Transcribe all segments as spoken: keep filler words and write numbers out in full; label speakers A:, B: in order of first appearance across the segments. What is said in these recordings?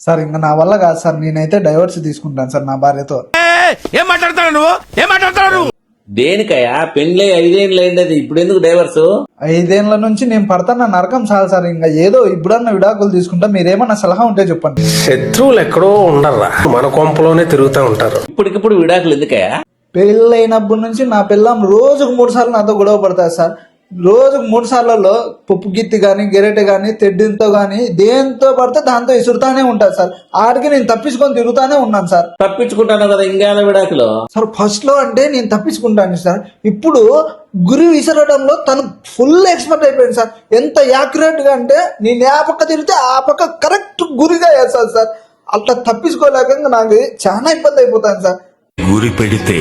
A: Sir ఇంకా నా వల్ల కాదు సార్, నేనైతే డైవర్స్ తీసుకుంటాను సార్ నా భార్యతో.
B: ఏం మాట్లాడతావు నువ్వు ఏం మాట్లాడతావు నువ్వు?
C: దేనికయ్యా పెళ్ళి ఐదేళ్ళు అయింది, ఇప్పుడు ఎందుకు డైవర్స్?
A: ఐదేళ్ల నుంచి నేను పడతాను నరకం చాలు సార్, ఇంకా ఏదో ఇప్పుడన్నా విడాకులు తీసుకుంటా. మీరేమన్నా సలహా ఉంటే చెప్పండి.
D: శత్రువులు ఎక్కడో ఉండర్రా, మన కొంపలోనే తిరుగుతూ ఉంటారు.
C: ఇప్పటికిప్పుడు విడాకులు ఎందుకయ్యా?
A: పెళ్ళైనప్పటి నుంచి నా పిల్లం రోజుకు మూడు సార్లు నాతో గొడవ పడతాయి సార్. రోజుకు మూడు సార్లలో పప్పు గిత్తి కానీ గెరెట కానీ తెడ్డింతో కానీ దేంతో పడితే దాంతో ఇసురుతానే ఉంటారు సార్. ఆడికి నేను తప్పించుకొని తిరుగుతానే ఉన్నాను సార్.
C: తప్పించుకుంటాను కదా ఇంకా విడాకులు?
A: సార్ ఫస్ట్ లో అంటే నేను తప్పించుకుంటాను సార్, ఇప్పుడు గురి విసరడంలో తను ఫుల్ ఎక్స్పర్ట్ అయిపోయింది సార్. ఎంత యాక్యురేట్ గా అంటే నేను ఆ పక్క తిరిగితే ఆ పక్క కరెక్ట్ గురిగా వేస్తాను సార్. అట్లా తప్పించుకోలేక నాకు చాలా ఇబ్బంది అయిపోతాను సార్.
B: గురి పెడితే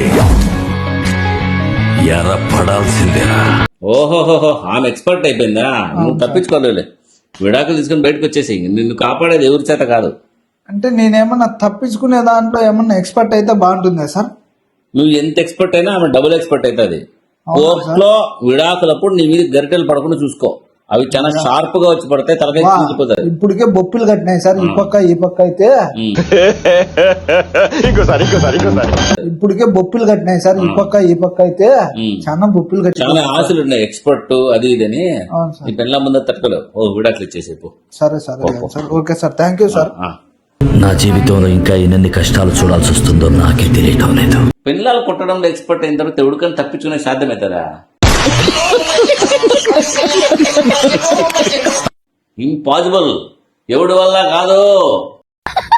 B: ఎర్ర పడాల్సిందేనా?
C: ఓహోహోహో, ఆమె ఎక్స్పర్ట్ అయిపోయిందా? నువ్వు తప్పించుకోలేవులే, విడాకులు తీసుకుని బయటకు వచ్చేసి. నిన్ను కాపాడేది ఎవరి చేత కాదు.
A: అంటే నేనేమన్నా తప్పించుకునే దాంట్లో ఏమన్నా ఎక్స్పర్ట్ అయితే బాగుంటుందా సార్?
C: నువ్వు ఎంత ఎక్స్పర్ట్ అయినా ఆమె డబుల్ ఎక్స్పర్ట్ అవుతుంది. కోర్టులో విడాకులప్పుడు నీ మీద గరిటెలు పడకుండా చూసుకో, అవి చాలా షార్ప్ గా వచ్చి పడితే తలకాయ తీసిపోతాయి.
A: ఇప్పటికే బొప్పులు కట్టినాయి సార్ ఈ పక్క ఈ పక్క అయితే. ఇప్పటికే బొప్పులు కట్టినాయి సార్ ఈ పక్క ఈ పక్క అయితే, చాలా బొప్పులు కట్టి
C: చాలా ఆశలు ఉన్నాయి ఎక్స్పర్ట్ అది ఇదని. నీ పెళ్ళ ముందు తట్టుకోలేవు. ఓ విడాకులు ఇచ్చేసేపు.
A: సరే సరే sir, okay sir, thank you sir.
E: నా జీవితంలో ఇంకా ఎన్ని కష్టాలు చూడాల్సి వస్తుందో నాకే తెలియటం లేదు.
C: పిల్లలు కొట్టడంలో ఎక్స్పర్ట్ అయిన తర్వాత ఎవరికైనా తప్పించుకునే సాధ్యమవుతారా? ఇంపాసిబుల్, ఎవడి వల్ల కాదు.